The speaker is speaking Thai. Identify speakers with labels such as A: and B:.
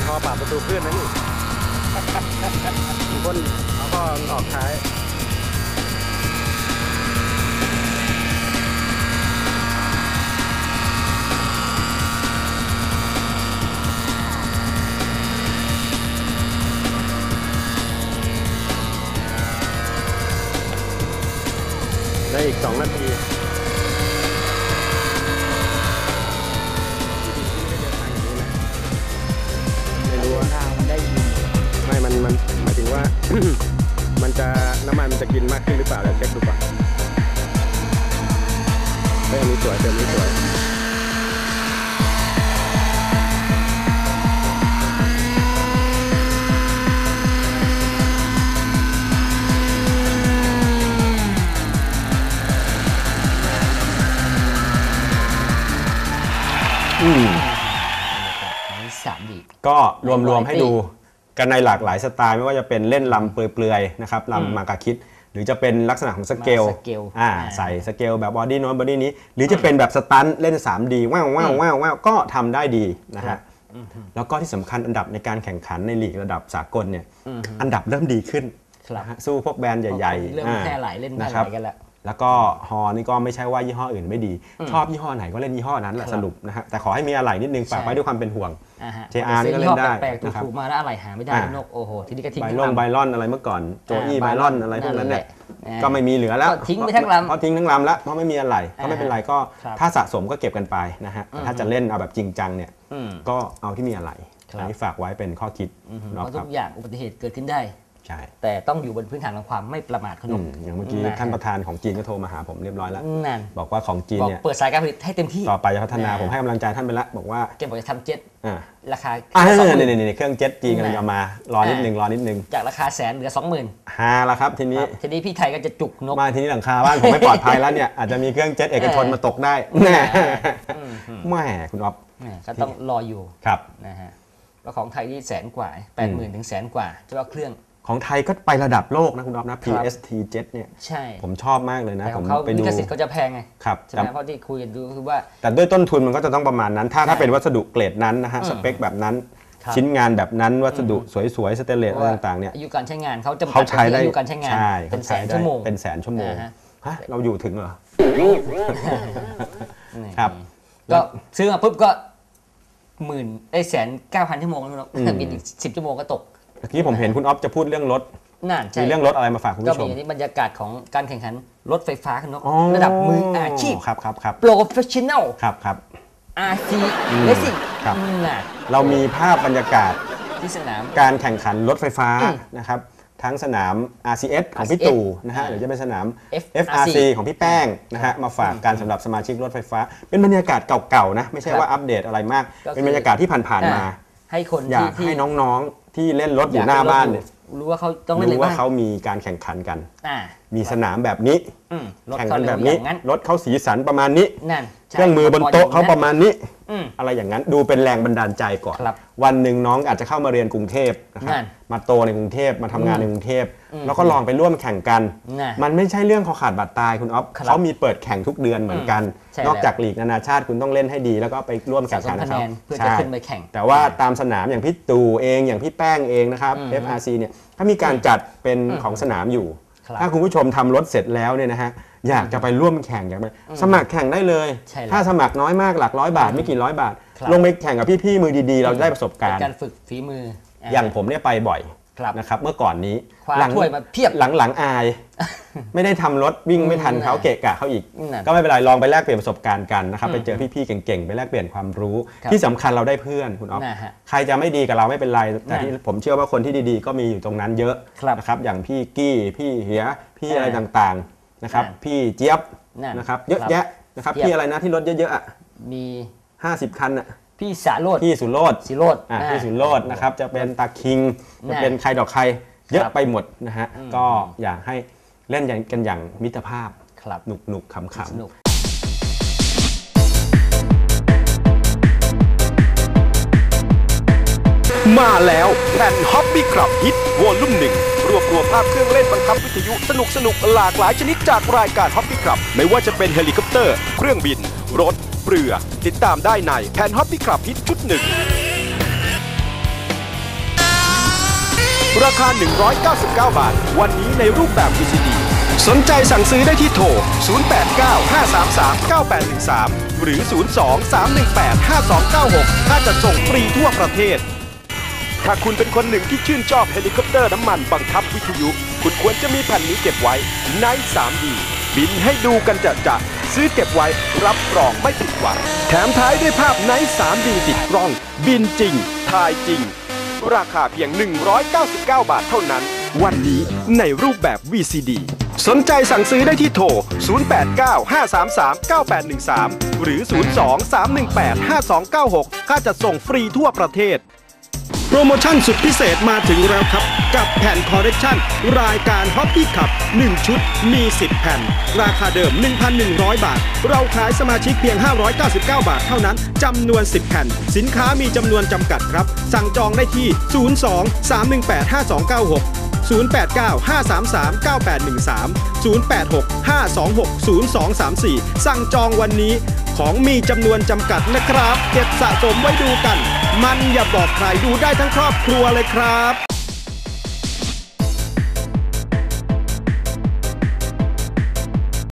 A: พอปรับประตูเพื่อนนะนี่มีคนเขาก็ออกท้ายได้อีก2 นาทีไม่รู้ว่ามันได้ยินไม่มันหมายถึงว่า มันจะน้ำมันมันจะกินมากขึ้นหรือเปล่าเดี๋ยวเช็คดูก่อนเฮ้ยอันนี้สวยเติมนี้สวยก็รวมๆให้ดูกันในหลากหลายสไตล์ไม่ว่าจะเป็นเล่นลำเปลือยๆนะครับลำมากาคิดหรือจะเป็นลักษณะของสเกลใส่สเกลแบบบอดี้โน้นบอดี้นี้หรือจะเป็นแบบสตันเล่น 3D ว้าวก็ทำได้ดีนะฮะแล้วก็ที่สำคัญอันดับในการแข่งขันในลีกระดับสากลเนี่ยอันดับเริ่มดีขึ้นสู้พวกแบรนด์ใหญ่ๆ
B: เริ่มแค่ไหลเล่นได้กัน
A: แล้วก็ฮอนี่ก็ไม่ใช่ว่ายี่ห้ออื่นไม่ดีชอบยี่ห้อไหนก็เล่นยี่ห้อนั้นแหละสรุปนะฮะแต่ขอให้มีอะไรนิดนึงฝากไว้ด้วยความเป็นห่วงJR นี่ก็เล่นได้
B: แปลกๆถูกมาแล้วอะไรหาไม่ได้นกโอ้โหทีนี้ก็ทิ้ง
A: ไบลอนอะไรเมื่อก่อนโจอี้ไบลอนอะไรพวกนั้นเนี่ยก็ไม่มีเหลือแล้ว
B: ทิ้งไปทั้งลำ
A: เพราะทิ้งทั้งลำแล้วเพราะไม่มีอะไรก็ไม่เป็นไรก็ถ้าสะสมก็เก็บกันไปนะฮะถ้าจะเล่นเอาแบบจริงจังเนี่ยก็เอาที่มีอะไรอันนี้ฝากไว้เป็นข้อคิด
B: เพราะทุกอย่างอุบัติเหตุเกิดขึ้นได้
A: ใช่
B: แต่ต้องอยู่บนพื้นฐานของความไม่ประมาทคุณ
A: อย่างเมื่อกี้ท่านประธานของจีนก็โทรมาหาผมเรียบร้อยแล้วบอกว่าของจีนเนี่ย
B: เปิดสายการผลิตให้เต็มที่
A: ต่อไปจะพัฒนาผมให้กำลังใจท่านไปแล้วบอกว่า
B: เก็บบอกจะทำเจ็ตราคา
A: นี่เครื่องเจ็ตจีนกำลังจะมารอนิดนึง
B: จากราคา100,000เหลือ 20,000
A: ฮาแล้วครับทีนี้
B: พี่ไทยก็จะจุกนก
A: มาทีนี้หลังคาบ้านผมไม่ปลอดภัยแล้วเนี่ยอาจจะมีเครื่องเจ็ตเอกชนมาตกได้แม่คุณอ๊อฟ
B: ก็ต้องรออยู่
A: ครับ
B: นะฮะแล้วของไทยนี่100,000 กว่า 80,000 ถึง100,000 กว่าเฉพาะเครื่อง
A: ของไทยก็ไประดับโลกนะคุณอ๊อฟนะ PST Jet เนี่ย
B: ใช่
A: ผมชอบมากเลยนะผม
B: ไปดูลิขสิทธิ์เขาจะแพงไง
A: ครับ
B: ใช่ไหมเพราะที่คุยกันดูคือว่า
A: แต่ด้วยต้นทุนมันก็จะต้องประมาณนั้นถ้าเป็นวัสดุเกรดนั้นนะฮะสเปคแบบนั้นชิ้นงานแบบนั้นวัสดุสวยๆสเตนเลสอะไรต่างๆเนี่ย
B: อายุการใช้งานเขาจำกัดอายุการใช้งานเป็น100,000 ชั่วโมง
A: เป็น100,000 ชั่วโมงฮะเราอยู่ถึงเหรอครับ
B: ก็ซื้อมาปุ๊บก็1,900,000 ชั่วโมงแล้วบินอีก10 ชั่วโมงก็ตก
A: เมื่อกี้ผมเห็นคุณอ๊อฟจะพูดเรื่องรถมีเรื่องรถอะไรมาฝากคุณผู้ชม
B: ก็มีบรรยากาศของการแข่งขันรถไฟฟ้าคุณนกระดับมืออาชีพ
A: ครับ
B: โปรเฟชชั่นแนล
A: ครับ
B: RC Racing
A: เรามีภาพบรรยากาศ
B: ที่สนาม
A: การแข่งขันรถไฟฟ้านะครับทั้งสนาม RCS ของพี่ตู่นะฮะหรือจะเป็นสนาม FRC ของพี่แป้งนะฮะมาฝากการสำหรับสมาชิกรถไฟฟ้าเป็นบรรยากาศเก่าๆนะไม่ใช่ว่าอัปเดตอะไรมากเป็นบรรยากาศที่ผ่านๆมา
B: ให้คน
A: อยากให้น้องๆที่เล่นรถอยู่หน้าบ้านเนี่ย
B: รู้ว่าเขาต้องเล่นอะไรบ้าง
A: รู้ว่าเขามีการแข่งขันกันมีสนามแบบนี้แข่งกันแบบนี้รถเขาสีสันประมาณนี้เครื่องมือบนโต๊ะเขาประมาณนี้อะไรอย่างนั้นดูเป็นแรงบันดาลใจก่อนวันหนึ่งน้องอาจจะเข้ามาเรียนกรุงเทพนะครับมาโตในกรุงเทพมาทำงานในกรุงเทพแล้วก็ลองไปร่วมแข่งกันมันไม่ใช่เรื่องคอขาดบาดตายคุณอ๊อฟเขามีเปิดแข่งทุกเดือนเหมือนกันนอกจากลีกนานาชาติคุณต้องเล่นให้ดีแล้วก็ไปร่วมแข่งขันกับเขา
B: เพื่อจะขึ้นไปแข่ง
A: แต่ว่าตามสนามอย่างพี่ตู่เองอย่างพี่แป้งเองนะครับ FRC เนี่ยถ้ามีการจัดเป็นของสนามอยู่ถ้าคุณผู้ชมทำรถเสร็จแล้วเนี่ยนะฮะอยากจะไปร่วมแข่งอยากไปสมัครแข่งได้เลยถ้าสมัครน้อยมากหลัก100 บาทไม่กี่ร้อยบาทลงไปแข่งกับพี่ๆมือดีๆเราได้ประสบการณ์
B: การฝึกฝีมือ
A: อย่างผมเนี่ยไปบ่อยนะครับเมื่อก่อนนี้
B: ถ้วยมาเพียบ
A: หลังอายไม่ได้ทำรถวิ่งไม่ทันเขาเกะกะเขาอีกก็ไม่เป็นไรลองไปแลกเปลี่ยนประสบการณ์กันนะครับไปเจอพี่ๆเก่งๆไปแลกเปลี่ยนความรู้ที่สำคัญเราได้เพื่อนคุณอ๊อฟใครจะไม่ดีกับเราไม่เป็นไรแต่ที่ผมเชื่อว่าคนที่ดีๆก็มีอยู่ตรงนั้นเยอะนะครับอย่างพี่กี้พี่เหียพี่อะไรต่างๆนะครับพี่เจี๊ยบนะครับเยอะแยะนะครับพี่อะไรนะที่รถเยอะๆ
B: มี
A: 50 คันอ่ะ
B: พี่สาโรจน์
A: พี่สุโรจน์พี่สุโรจน์นะครับจะเป็นตาคิงจะเป็นใครดอกใครเยอะไปหมดนะฮะก็อยากให้เล่นกันอย่างมิตรภาพหนุกขำ
C: ๆมาแล้วแผ่นฮอปปี้คลับฮิตวอลลุ่ม1รวบรวมภาพเครื่องเล่นบังคับวิทยุสนุกหลากหลายชนิดจากรายการฮอปปี้คลับไม่ว่าจะเป็นเฮลิคอปเตอร์เครื่องบินรถเรือติดตามได้ในแผ่นฮอปปี้คลับฮิตชุด1 ราคา 199 บาทวันนี้ในรูปแบบ VCD สนใจสั่งซื้อได้ที่โทร 0895339813 หรือ 02-318-5296 ถ้าจะส่งฟรีทั่วประเทศถ้าคุณเป็นคนหนึ่งที่ชื่นชอบเฮลิคอปเตอร์น้ำมันบังคับวิทยุคุณควรจะมีแผ่นนี้เก็บไว้ใน 3D บินให้ดูกันจะซื้อเก็บไว้รับรองไม่ผิดหวังแถมท้ายด้วยภาพใน 3D ติดกล้องบินจริงถ่ายจริงราคาเพียง 199 บาทเท่านั้นวันนี้ในรูปแบบ VCD สนใจสั่งซื้อได้ที่โทร 0895339813 หรือ 02-318-5296 ค่าจัดส่งฟรีทั่วประเทศโปรโมชั่นสุดพิเศษมาถึงแล้วครับกับแผ่นคอลเลกชันรายการ Hobby Club 1 ชุดมี 10 แผ่นราคาเดิม 1,100 บาทเราขายสมาชิกเพียง 599 บาทเท่านั้นจำนวน 10 แผ่นสินค้ามีจำนวนจำกัดครับสั่งจองได้ที่ 02-318-5296 089-533-9813 086-526-0234 สั่งจองวันนี้ของมีจำนวนจำกัดนะครับเก็บสะสมไว้ดูกันมันอย่าบอกใครดูได้ทั้งครอบครัวเลยครับ